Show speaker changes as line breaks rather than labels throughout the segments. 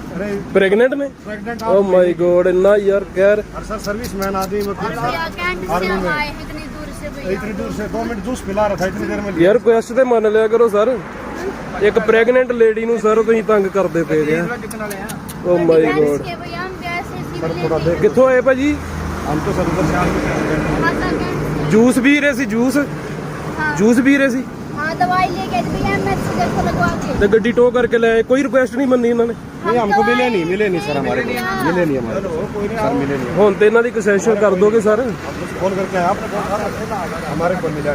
Pregnant में?
Pregnant
oh my God, इतना यार खैर।
और सर सर्विसमैन आदमी आर्मी में इतनी दूर से 2 मिनट जूस पिला रहा था इतनी देर में।
यार रिक्वेस्ट ਤੇ ਮੰਨ ਲਿਆ ਕਰੋ ਸਰ, ਇੱਕ ਪ੍ਰੈਗਨੈਂਟ ਲੇਡੀ ਨੂੰ ਸਰ ਤੁਸੀਂ ਤੰਗ ਕਰਦੇ ਪਏ ਜੇ। ਓ ਮਾय गॉड, ਕਿੱਥੋਂ ਆਏ ਭਾਜੀ?
हम तो सर उधर से आगे
ਜੂਸ ਪੀ ਰਹੇ ਸੀ? ਜੂਸ ਪੀ ਰਹੇ ਸੀ
हाँ दवाई लेके भैया एमएच देखो लगवा के
ਤੇ ਗੱਡੀ ਟੋ ਕਰਕੇ ਲੈ ਆਏ, ਕੋਈ ਰਿਕੁਐਸਟ ਨਹੀਂ ਮੰਨੀ ਇਹਨਾਂ ਨੇ।
नहीं हमको मिले नहीं सर, हमारे को मिले नहीं हमारे सर, मिले नहीं।
ਹੁਣ ਤੇ ਇਹਨਾਂ ਦੀ ਕੰਸੈਸ਼ਨ ਕਰ ਦੋਗੇ ਸਰ?
फोन करके आए आपने, हमारे को मिला।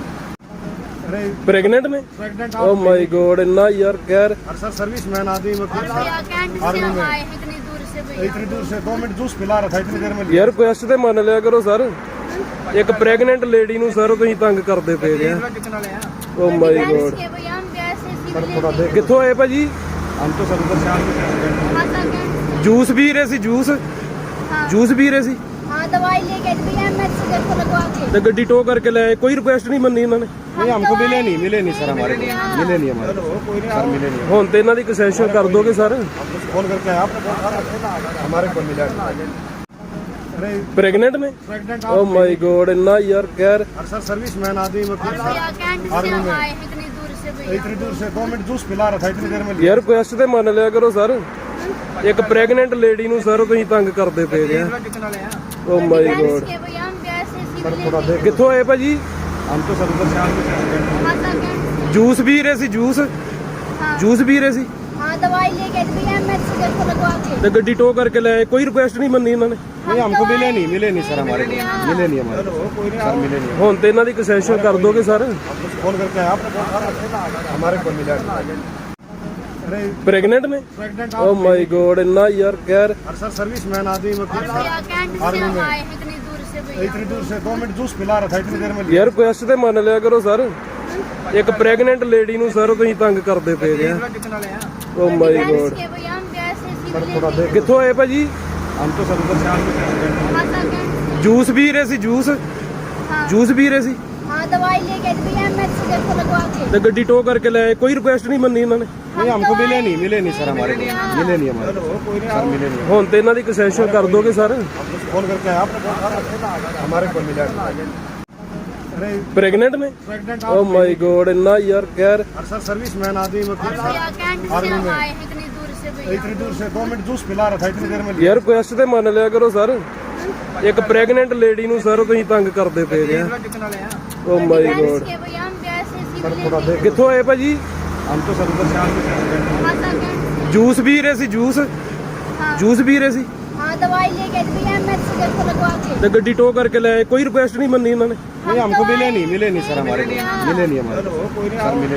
प्रेग्नेंट में?
प्रेग्नेंट
ओ माय गॉड, इतना यार खैर।
और सर सर्विसमैन आदमी आर्मी में इतनी दूर से 2 मिनट जूस पिला रहा था इतनी देर में।
ਯਾਰ ਰਿਕੁਐਸਟ ਤੇ ਮੰਨ ਲਿਆ ਕਰੋ ਸਰ, ਇੱਕ ਪ੍ਰੈਗਨੈਂਟ ਲੇਡੀ ਨੂੰ ਸਰ ਤੁਸੀਂ ਤੰਗ ਕਰਦੇ ਪਏ ਜੇ। ਓ ਮਾय गॉड, ਕਿੱਥੋਂ ਆਏ ਭਾਜੀ?
हम तो सर उधर से आगे
ਜੂਸ ਪੀ ਰਹੇ ਸੀ? ਜੂਸ ਪੀ ਰਹੇ ਸੀ
हाँ दवाई लेके भैया एमएच देखो लगवा के
ਤੇ ਗੱਡੀ ਟੋ ਕਰਕੇ ਲੈ ਆਏ, ਕੋਈ ਰਿਕੁਐਸਟ ਨਹੀਂ ਮੰਨੀ ਇਹਨਾਂ ਨੇ।
नहीं हमको मिले नहीं सर, हमारे को मिले नहीं हमारे सर, मिले नहीं।
ਹੁਣ ਤੇ ਇਹਨਾਂ ਦੀ ਕੰਸੈਸ਼ਨ ਕਰ ਦੋਗੇ ਸਰ?
फोन करके आए आपने, हमारे को मिला।
प्रेग्नेंट में?
प्रेग्नेंट
ओ माय गॉड, इतना यार खैर।
और सर सर्विसमैन आदमी आर्मी में इतनी दूर से 2 मिनट जूस पिला रहा था इतनी देर में।
ਯਾਰ ਰਿਕੁਐਸਟ ਤੇ ਮੰਨ ਲਿਆ ਕਰੋ ਸਰ, ਇੱਕ ਪ੍ਰੈਗਨੈਂਟ ਲੇਡੀ ਨੂੰ ਸਰ ਤੁਸੀਂ ਤੰਗ ਕਰਦੇ ਪਏ ਜੇ। ਓ ਮਾय गॉड, ਕਿੱਥੋਂ ਆਏ ਭਾਜੀ?
हम तो सर उधर से आगे
ਜੂਸ ਪੀ ਰਹੇ ਸੀ? ਜੂਸ ਪੀ ਰਹੇ ਸੀ
हाँ दवाई लेके भैया एमएच देखो लगवा के
ਤੇ ਗੱਡੀ ਟੋ ਕਰਕੇ ਲੈ ਆਏ, ਕੋਈ ਰਿਕੁਐਸਟ ਨਹੀਂ ਮੰਨੀ ਇਹਨਾਂ ਨੇ।
नहीं हमको मिले नहीं सर, हमारे को मिले नहीं हमारे सर, मिले नहीं।
ਹੁਣ ਤੇ ਇਹਨਾਂ ਦੀ ਕੰਸੈਸ਼ਨ ਕਰ ਦੋਗੇ ਸਰ?
फोन करके आए आपने, हमारे को मिला।
प्रेग्नेंट में?
प्रेग्नेंट
ओ माय गॉड, इतना यार खैर।
और सर सर्विसमैन आदमी आर्मी में इतनी दूर से 2 मिनट जूस पिला रहा था इतनी देर में।
ਯਾਰ ਰਿਕੁਐਸਟ ਤੇ ਮੰਨ ਲਿਆ ਕਰੋ ਸਰ, ਇੱਕ ਪ੍ਰੈਗਨੈਂਟ ਲੇਡੀ ਨੂੰ ਸਰ ਤੁਸੀਂ ਤੰਗ ਕਰਦੇ ਪਏ ਜੇ। ਓ ਮਾय गॉड, ਕਿੱਥੋਂ ਆਏ ਭਾਜੀ?
हम तो सर उधर से आगे
ਜੂਸ ਪੀ ਰਹੇ ਸੀ? ਜੂਸ ਪੀ ਰਹੇ ਸੀ
हाँ दवाई लेके भैया एमएच देखो लगवा के
ਤੇ ਗੱਡੀ ਟੋ ਕਰਕੇ ਲੈ ਆਏ, ਕੋਈ ਰਿਕੁਐਸਟ ਨਹੀਂ ਮੰਨੀ ਇਹਨਾਂ ਨੇ।
नहीं हमको मिले नहीं सर, हमारे को मिले नहीं हमारे सर, मिले नहीं।
ਹੁਣ ਤੇ ਇਹਨਾਂ ਦੀ ਕੰਸੈਸ਼ਨ ਕਰ ਦੋਗੇ ਸਰ?
फोन करके आए आपने, हमारे को मिला।
प्रेग्नेंट में?
प्रेग्नेंट
ओ माय गॉड, इतना यार खैर।
और सर सर्विसमैन आदमी आर्मी में इतनी दूर से 2 मिनट जूस पिला रहा था इतनी देर में।
ਯਾਰ ਰਿਕੁਐਸਟ ਤੇ ਮੰਨ ਲਿਆ ਕਰੋ ਸਰ, ਇੱਕ ਪ੍ਰੈਗਨੈਂਟ ਲੇਡੀ ਨੂੰ ਸਰ ਤੁਸੀਂ ਤੰਗ ਕਰਦੇ ਪਏ ਜੇ। ਓ ਮਾय गॉड, ਕਿੱਥੋਂ ਆਏ ਭਾਜੀ?
हम तो सर उधर से आगे
ਜੂਸ ਪੀ ਰਹੇ ਸੀ? ਜੂਸ ਪੀ ਰਹੇ ਸੀ
हाँ दवाई लेके भैया एमएच देखो लगवा के
ਤੇ ਗੱਡੀ ਟੋ ਕਰਕੇ ਲੈ ਆਏ, ਕੋਈ ਰਿਕੁਐਸਟ ਨਹੀਂ ਮੰਨੀ ਇਹਨਾਂ ਨੇ।
नहीं हमको मिले नहीं सर, हमारे को मिले नहीं हमारे सर, मिले।